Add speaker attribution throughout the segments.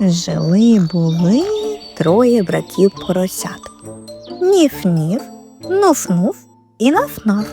Speaker 1: Жили-були троє братів поросят. Ніф-ніф, нуф-нуф і наф-наф.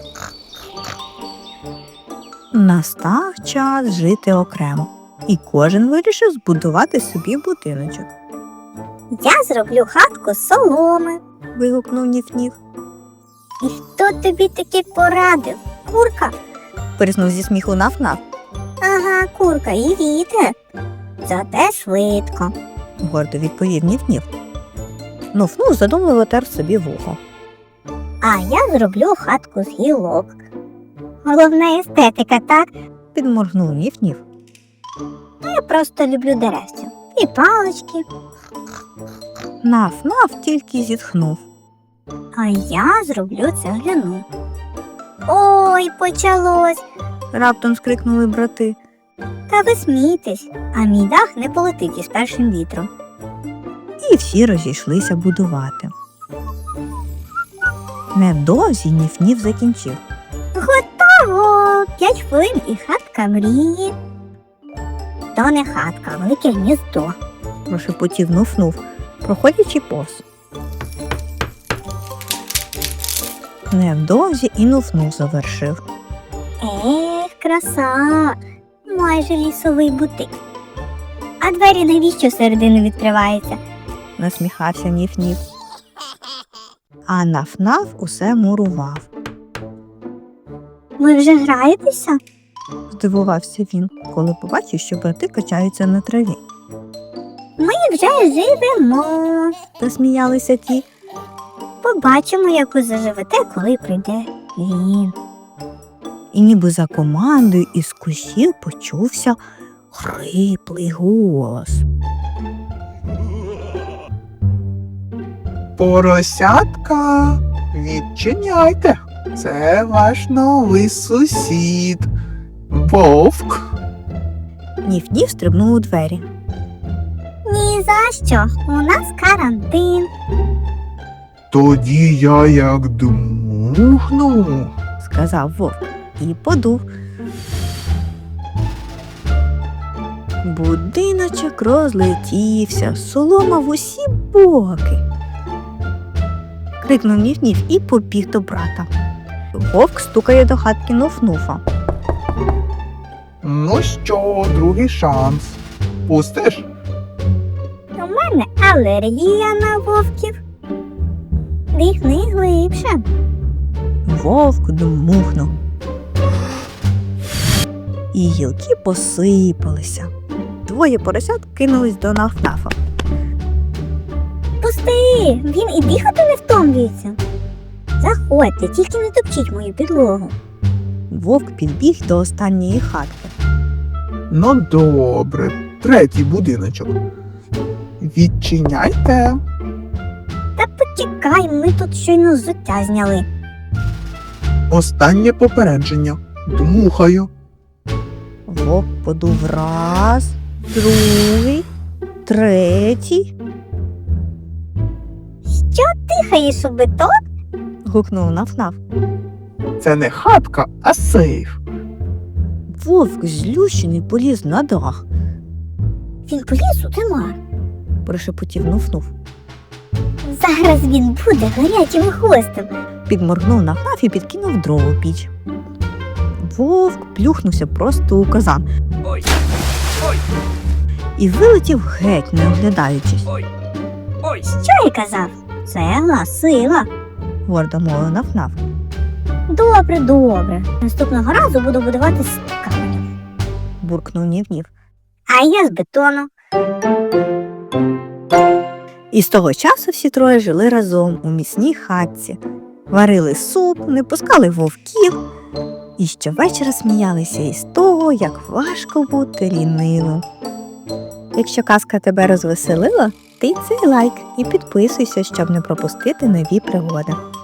Speaker 1: Настав час жити окремо, і кожен вирішив збудувати собі будиночок.
Speaker 2: Я зроблю хатку з соломи.
Speaker 1: Вигукнув Ніф-ніф.
Speaker 2: І хто тобі таки порадив? Курка?
Speaker 1: Пирснув зі сміху наф-наф.
Speaker 2: Ага, курка і вітер. Зате швидко.
Speaker 1: Гордо відповів Ніф-ніф. Нуф-нуф задумливо тер собі вухо.
Speaker 2: А я зроблю хатку з гілок. Головна естетика, так?
Speaker 1: Підморгнув Ніф-ніф.
Speaker 2: Я просто люблю деревця. І палички.
Speaker 1: Наф-наф тільки зітхнув.
Speaker 2: А я зроблю цегляну. Ой, почалось.
Speaker 1: Раптом скрикнули брати.
Speaker 2: Та ви смійтесь, а мій дах не полетить із першим вітром.
Speaker 1: І всі розійшлися будувати. Невдовзі Ніф-ніф закінчив.
Speaker 2: Готово! 5 хвилин і хатка мрії. То не хатка, а велике гніздо.
Speaker 1: Прошепотів Нуф-нуф, проходячи повз. Невдовзі і Нуф-нуф завершив.
Speaker 2: Краса! Майже лісовий бутик. А двері навіщо середину відкриваються?
Speaker 1: Насміхався Ніф-ніф. А Наф-наф усе мурував.
Speaker 2: Ви вже граєтеся?
Speaker 1: Здивувався він, коли побачив, що брати качаються на траві.
Speaker 2: Ми вже живемо.
Speaker 1: Засміялися ті.
Speaker 2: Побачимо, як ви заживете, коли прийде він.
Speaker 1: І ніби за командою із кущів почувся хриплий голос.
Speaker 3: Поросятка, відчиняйте. Це ваш новий сусід. Вовк.
Speaker 1: Ніф-ніф стрибнув у двері.
Speaker 2: Ні за що, у нас карантин.
Speaker 3: Тоді я як дмухну.
Speaker 1: Сказав вовк і подув. Будиночок розлетівся, солома в усі боки. Крикнув Ніф-ніф і побіг до брата. Вовк стукає до хатки Нуф-нуфа.
Speaker 3: Ну що, другий шанс. Пустиш?
Speaker 2: У мене алергія на вовків. Дихни глибше.
Speaker 1: Вовк дмухнув. І гілки посипалися. Двоє поросят кинулись до Наф-нафа.
Speaker 2: Пусти, він і дихати не втомлюється. Заходьте, тільки не топчіть мою підлогу.
Speaker 1: Вовк підбіг до останньої хатки.
Speaker 3: Ну добре, третій будиночок. Відчиняйте.
Speaker 2: Та почекай, ми тут щойно взуття зняли.
Speaker 3: Останнє попередження. Дмухаю.
Speaker 1: Вовк подув раз, другий, третій.
Speaker 2: Що дихаєш у бетон?
Speaker 1: Гукнув Наф-наф.
Speaker 3: Це не хатка, а сейф.
Speaker 1: Вовк злющений поліз на дах.
Speaker 2: Він поліз у димар.
Speaker 1: Прошепотів Нуф-нуф.
Speaker 2: Зараз він буде гарячим хвостом.
Speaker 1: Підморгнув Наф-наф і підкинув дров у піч. Вовк плюхнувся просто у казан.
Speaker 4: Ой, ой,
Speaker 1: І вилетів геть, не оглядаючись.
Speaker 4: ой, ой.
Speaker 2: Що я казав? Сила, сила.
Speaker 1: Гордо мовив Наф-наф.
Speaker 2: Добре, добре. Наступного разу буду будувати з каменю.
Speaker 1: Буркнув Ніф-ніф.
Speaker 2: А я з бетону.
Speaker 1: І з того часу всі троє жили разом у міцній хатці. Варили суп, не пускали вовків. І щовечора сміялися із того, як важко бути лінивим. Якщо казка тебе розвеселила, ти цей лайк і підписуйся, щоб не пропустити нові пригоди.